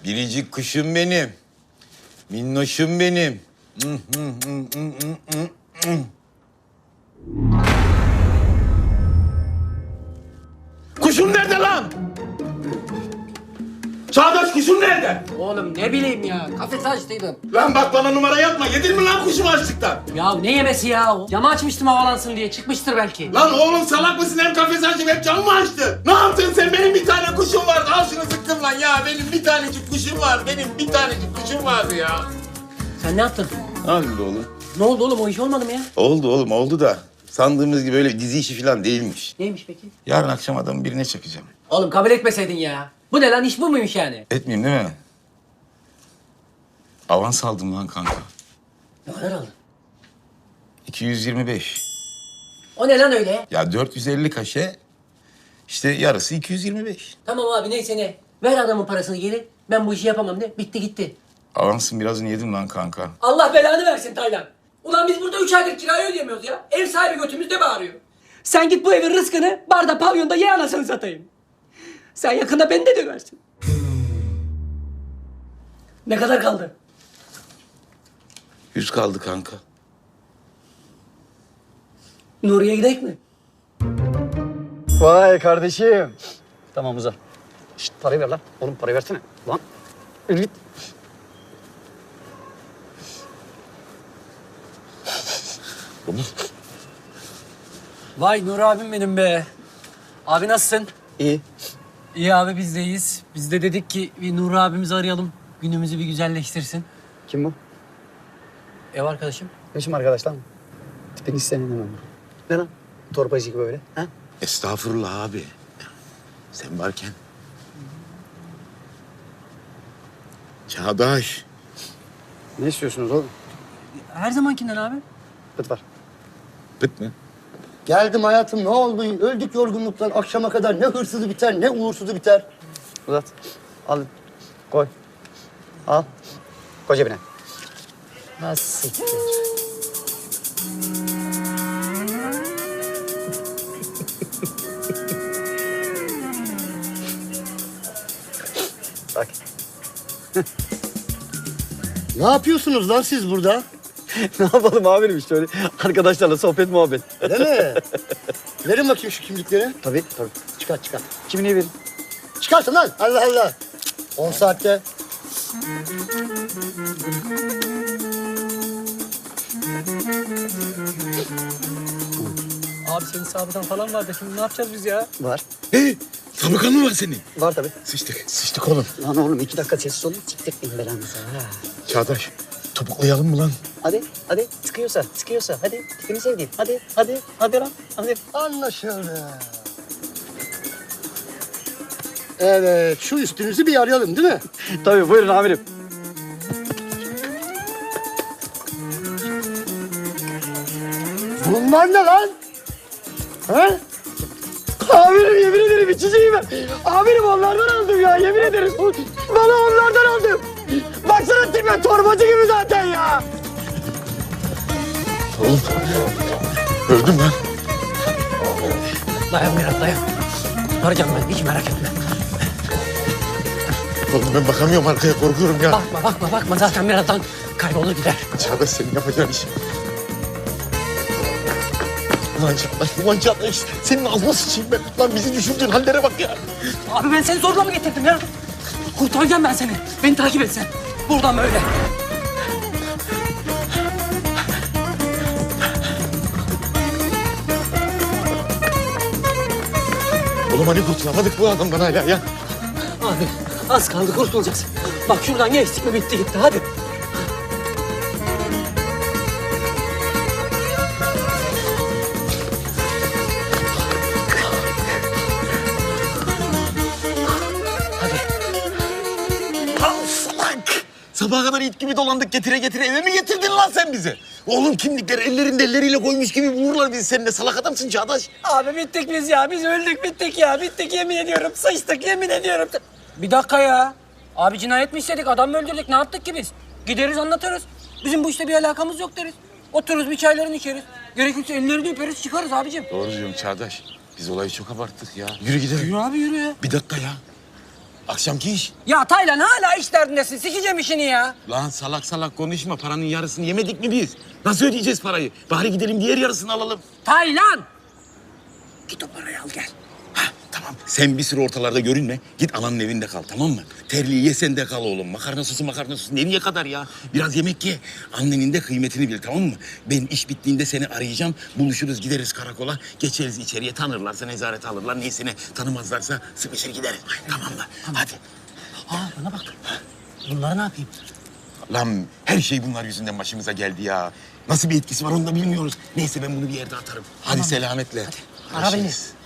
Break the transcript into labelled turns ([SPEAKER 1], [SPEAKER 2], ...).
[SPEAKER 1] Biricik kuşum benim. Minnoşum benim. Kuşum nerede lan? Çağdaş kuşum nerede?
[SPEAKER 2] Oğlum ne bileyim ya. Kafesi açtıydım.
[SPEAKER 1] Lan bak bana numara yapma. Yedin mi lan kuşumu açlıktan?
[SPEAKER 2] Ya ne yemesi ya o? Camı açmıştım havalansın diye. Çıkmıştır belki.
[SPEAKER 1] Lan oğlum salak mısın? Hem kafesi açıp hem camı mı açtın? Ne yaptın sen? Benim bir tane kuşum vardı. Al şunu sıktım lan ya. Benim bir tanecik kuşum var. Benim bir tanecik kuşum vardı ya.
[SPEAKER 2] Sen ne yaptın?
[SPEAKER 1] Ne oldu oğlum?
[SPEAKER 2] Ne oldu oğlum? O iş olmadı mı ya?
[SPEAKER 1] Oldu oğlum oldu da. Sandığımız gibi öyle dizi işi falan değilmiş.
[SPEAKER 2] Neymiş peki?
[SPEAKER 1] Yarın akşam adamı birine çakacağım.
[SPEAKER 2] Oğlum kabul etmeseydin ya. Bu ne lan? İş bu muymuş yani?
[SPEAKER 1] Etmeyeyim değil mi? Avans aldım lan kanka.
[SPEAKER 2] Ne kadar aldın?
[SPEAKER 1] 225.
[SPEAKER 2] O ne lan öyle?
[SPEAKER 1] Ya 450 kaşe, işte yarısı 225.
[SPEAKER 2] Tamam abi neyse ne. Ver adamın parasını geri. Ben bu işi yapamam de. Bitti gitti.
[SPEAKER 1] Avansın birazını yedim lan kanka.
[SPEAKER 2] Allah belanı versin Taylan. Ulan biz burada 3 aydır kirayı ödeyemiyoruz ya. Ev sahibi götümüzde bağırıyor. Sen git bu evin rızkını barda pavyonda ye anasını satayım. Sen yakında beni de döversin. Ne kadar kaldı?
[SPEAKER 1] 100 kaldı kanka.
[SPEAKER 2] Nuriye gidelim mi?
[SPEAKER 3] Vay kardeşim. Tamam uzat. Şşt parayı ver lan. Oğlum parayı versene. Lan. Yürü git.
[SPEAKER 2] Vay Nur abim benim be. Abi nasılsın?
[SPEAKER 3] İyi.
[SPEAKER 2] İyi abi biz de iyiyiz. Biz de dedik ki bir Nur abimizi arayalım. Günümüzü bir güzelleştirsin.
[SPEAKER 3] Kim bu?
[SPEAKER 2] Ev arkadaşım.
[SPEAKER 3] Yaşım arkadaş lan. Tipini sevmem. Ne lan? Torbacı gibi böyle. Ha?
[SPEAKER 1] Estağfurullah abi. Sen varken. Çağdaş.
[SPEAKER 3] Ne istiyorsunuz oğlum?
[SPEAKER 2] Her zamankinden abi.
[SPEAKER 3] Pıt var.
[SPEAKER 1] Bit mi?
[SPEAKER 4] Geldim hayatım, ne oldu? Öldük yorgunluktan. Akşama kadar ne hırsızı biter ne uğursuzu biter.
[SPEAKER 3] Uzat. Al. Koy. Al. Koy cebine.
[SPEAKER 2] Nasıl?
[SPEAKER 3] Bak.
[SPEAKER 4] Ne yapıyorsunuz lan siz burada?
[SPEAKER 3] Ne yapalım amirim işte öyle. Arkadaşlarla sohbet muhabbet.
[SPEAKER 4] Değil mi? Verin bakayım şu kimlikleri.
[SPEAKER 3] Tabii tabii.
[SPEAKER 4] Çıkar çıkar.
[SPEAKER 3] Kimliği verin.
[SPEAKER 4] Çıkarsın lan. Allah Allah. 10 saatte.
[SPEAKER 2] Abi senin sabıkan falan vardı. Şimdi ne yapacağız biz ya?
[SPEAKER 3] Var.
[SPEAKER 1] Hey, tabakan mı var senin?
[SPEAKER 3] Var tabii.
[SPEAKER 1] Sıçtık. Sıçtık oğlum.
[SPEAKER 3] Lan oğlum 2 dakika sessiz olun. Siktirtmeyin belanızı ha.
[SPEAKER 1] Çağdaş, topuklayalım mı lan?
[SPEAKER 3] Hadi. Sıkıyorsa. Hadi. Tipini sevdiğim. Hadi lan. Hadi.
[SPEAKER 4] Anlaşıldı. Evet, şu üstünüzü bir arayalım değil mi?
[SPEAKER 3] Tabii buyurun amirim.
[SPEAKER 4] Bunlar ne lan? Ha?
[SPEAKER 3] Amirim yemin ederim içeceğim ben. Amirim onlardan aldım ya yemin ederim. Bana onlardan aldım. Baksana tipe torbacı gibi zaten ya.
[SPEAKER 1] Oğlum, öldüm ben.
[SPEAKER 2] Dayan biraz dayan. Arayacağım ben hiç merak etme.
[SPEAKER 1] Oğlum ben bakamıyorum arkaya, korkuyorum ya.
[SPEAKER 2] Bakma zaten birazdan kaybolur gider.
[SPEAKER 1] Çağdaş senin yapacağın iş. Ulan Çağdaş, senin ağzına sıçayım ben. Lan bizi düşürdüğün hallere bak ya.
[SPEAKER 2] Abi ben seni zorla mı getirdim ya? Kurtaracağım ben seni. Beni takip et sen. Buradan böyle.
[SPEAKER 1] Oğlum hani kurtulamadık bu adamdan hala ya.
[SPEAKER 2] Abi az kaldı kurtulacağız. Bak şuradan geçtik mi bitti gitti hadi.
[SPEAKER 1] Salak! Sabaha kadar it gibi dolandık getire eve mi getirdin lan sen bizi? Oğlum kimlikleri ellerinde elleriyle koymuş gibi vururlar bizi seninle. Salak adamsın Çağdaş.
[SPEAKER 2] Abi bittik biz ya. Biz öldük bittik ya. Bittik yemin ediyorum. Sıçtık yemin ediyorum. Bir dakika ya. Abi cinayet mi işledik? Adam mı öldürdük? Ne yaptık ki biz? Gideriz anlatırız. Bizim bu işte bir alakamız yok deriz. Otururuz bir çaylarını içeriz. Gerekirse ellerini öperiz çıkarız abicim.
[SPEAKER 1] Doğru diyorsun Çağdaş. Biz olayı çok abarttık ya. Yürü gidelim.
[SPEAKER 2] Yürü abi yürü ya.
[SPEAKER 1] Bir dakika ya. Akşamki iş.
[SPEAKER 2] Ya Taylan hala iş derdindesin. Sikeceğim işini ya.
[SPEAKER 1] Lan salak salak konuşma. Paranın yarısını yemedik mi biz? Nasıl ödeyeceğiz parayı? Bari gidelim diğer yarısını alalım.
[SPEAKER 2] Taylan! Git o parayı al gel.
[SPEAKER 1] Ha, tamam. Sen bir süre ortalarda görünme. Git ananın evinde kal, tamam mı? Terliği ye sen de kal oğlum. Makarna sosu nereye kadar ya? Biraz yemek ye. Annenin de kıymetini bil, tamam mı? Ben iş bittiğinde seni arayacağım. Buluşuruz, gideriz karakola. Geçeriz içeriye, tanırlarsa nezarete alırlar. Neyse ne, tanımazlarsa sıkışır gideriz. Tamam mı? Hadi.
[SPEAKER 2] Bana bak. Bunları ne yapayım?
[SPEAKER 1] Lan her şey bunlar yüzünden başımıza geldi ya. Nasıl bir etkisi var onu da bilmiyoruz. Neyse ben bunu bir yerde atarım. Hadi selametle.
[SPEAKER 2] Ara beni.
[SPEAKER 1] Görüşürüz.